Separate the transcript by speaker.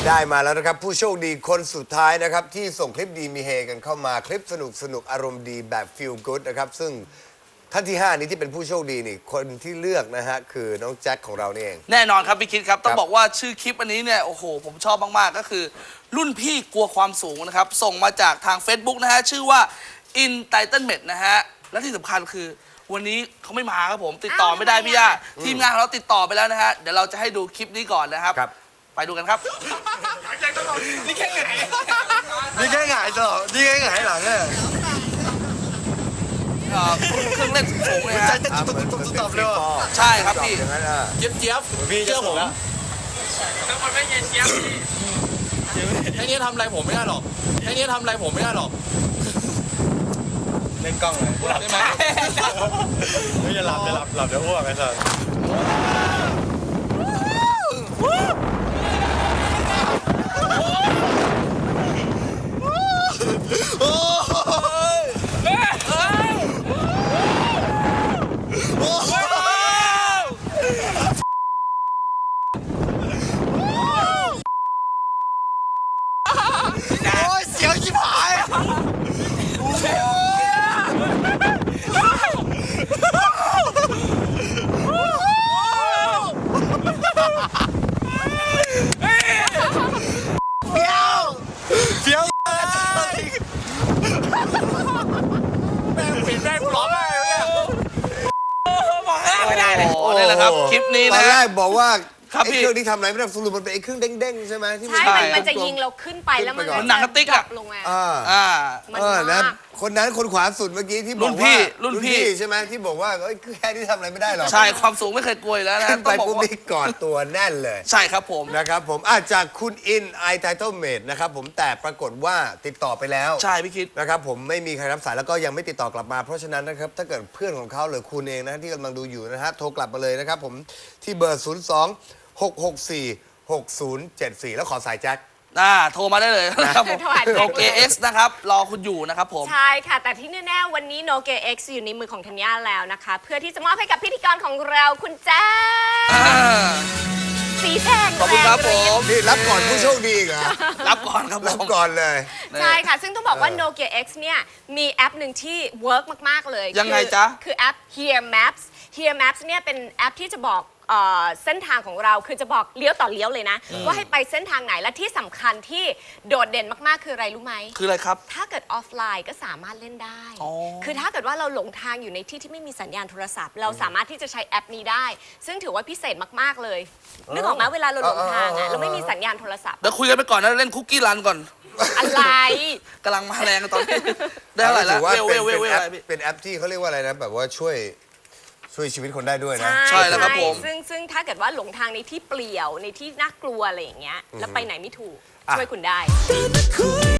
Speaker 1: ได้มาแล้วนะครับผู้โชคดีคนสุดท้ายนะครับที่ส่งคลิปดีมีเฮกันเข้ามาคลิปสนุกอารมณ์ดีแบบ feel good นะครับซึ่งท่านที่ 5 นี้ที่เป็นผู้โชคดีนี่คนที่เลือกนะฮะคือน้องแจ็คของเรานี่เอง
Speaker 2: แน่นอนครับพี่คิดครับต้องบอกว่าชื่อคลิปอันนี้เนี่ยโอ้โหผมชอบมากๆก็คือรุ่นพี่กลัวความสูงนะครับส่งมาจากทาง Facebook นะฮะชื่อว่า Entitlement นะฮะและที่สำคัญคือวันนี้เขาไม่มาครับผมติดต่อไม่ได้พี่ย่าทีมงานของเราติดต่อไปแล้วนะฮะเดี๋ยวเราจะให้ดูคลิปนี้ก่อนนะครับไปดูกันครับ
Speaker 3: นี่แค่หงายนี่แค่หงายต่อนี่แค่หงายหลังเนี่ย
Speaker 2: เครื่องเล่นสูงเลยฮะ
Speaker 3: ตอบเลย
Speaker 2: ใช่ครับพี่
Speaker 3: เจี๊ยบพี่เชื่อผมแล้วมันไม่เย็นเจี๊ยบไอ้นี่ทำอะไรผมไม่ได้หรอกไอ้นี่ทำอะไรผมไม่ได้หรอกเล่นกล้องเลยได้ไหมไม่จะหลับจะอ้วกไอ้สัสเสียวชิบหายเสียวแม่งปิดแม่งร้องไห้เลย
Speaker 2: ไม่ได้เลยโอ้นี่แหละครับคลิปนี้นะ
Speaker 1: ตอนแรกบอกว่าไอ้เครื่องที่ทำอะไรไม่ได้สรุปมันเป็นไอ้เครื่องเด้งๆใช่ไหมที่
Speaker 4: ใช่มันจะยิงเราขึ้นไปแล้วมัน
Speaker 2: หนังกระติกอะ
Speaker 4: ลงมา
Speaker 1: นะคนนั้นคนขวาสุดเมื่อกี้ที่บอกว่ารุ่นพี่ใช่ไหมที่บอกว่าแค่ที่ทำอะไรไม่ได้หรอก
Speaker 2: ใช่ความสูงไม่เคยกลัวแล้วนะ
Speaker 1: ขึ้นไปปุ๊บนี่กอดตัวแน่นเลย
Speaker 2: ใช่ครับผม
Speaker 1: นะครับผมจากคุณอินไอไทเทิลเมดนะครับผมแต่ปรากฏว่าติดต่อไปแล้ว
Speaker 2: ใช่พี่คิด
Speaker 1: นะครับผมไม่มีใครรับสายแล้วก็ยังไม่ติดต่อกลับมาเพราะฉะนั้นนะครับถ้าเกิดเพื่อนของเขาหรือคุณเองนะที่กำลังดูอยู่นะฮะโทรกลับมาเลยนะครับผมที่เบอร์02-664-6074แล้วขอสายแจ็ค
Speaker 2: โทรมาได้เลยนะครับผมโนเกเอ็กซ์นะครับรอคุณอยู่นะครับผม
Speaker 4: ใช่ค่ะแต่ที่แน่ๆวันนี้โนเกเอ็กซ์อยู่ในมือของธัญญาแล้วนะคะเพื่อที่จะมอบให้กับพิธีกรของเราคุณแจ๊สีแดง
Speaker 2: ขอบคุณครับผม
Speaker 1: นี่รับก่อนผู้โชคดีเหรอ
Speaker 2: รับก่อนครับ
Speaker 1: รับก่อนเลย
Speaker 4: ใช่ค่ะซึ่งต้องบอกว่า Nokia X เนี่ยมีแอปหนึ่งที่เวิร์กมากๆเลย
Speaker 2: ยังไงจ๊ะ
Speaker 4: คือแอป Here Maps Here Maps เนี่ยเป็นแอปที่จะบอกเส้นทางของเราคือจะบอกเลี้ยวต่อเลี้ยวเลยนะว่าให้ไปเส้นทางไหนและที่สำคัญที่โดดเด่นมากๆคืออะไรรู้ไหม
Speaker 2: คืออะไรครับ
Speaker 4: ถ้าเกิดออฟไลน์ก็สามารถเล่นได้คือถ้าเกิดว่าเราหลงทางอยู่ในที่ที่ไม่มีสัญญาณโทรศัพท์เราสามารถที่จะใช้แอปนี้ได้ซึ่งถือว่าพิเศษมากๆเลยนึกออกไหมเวลาเราหลงทางเราไม่มีสัญญาณโทรศัพท์
Speaker 2: เดี๋ยวคุยกันไปก่อนนะเล่นคุกกี้รันก่อน
Speaker 4: อะไร
Speaker 2: กำลังมาแรงตอนนี้ได้อะไรแล้ว
Speaker 1: เป็นแอปที่เขาเรียกว่าอะไรนะแบบว่าช่วยชีวิตคนได้ด้วยนะ
Speaker 2: ใช่แล้วครับผม
Speaker 4: ซึ่งถ้าเกิดว่าหลงทางในที่เปลี่ยวในที่น่ากลัวอะไรอย่างเงี้ยแล้วไปไหนไม่ถูกช่วยคุณได้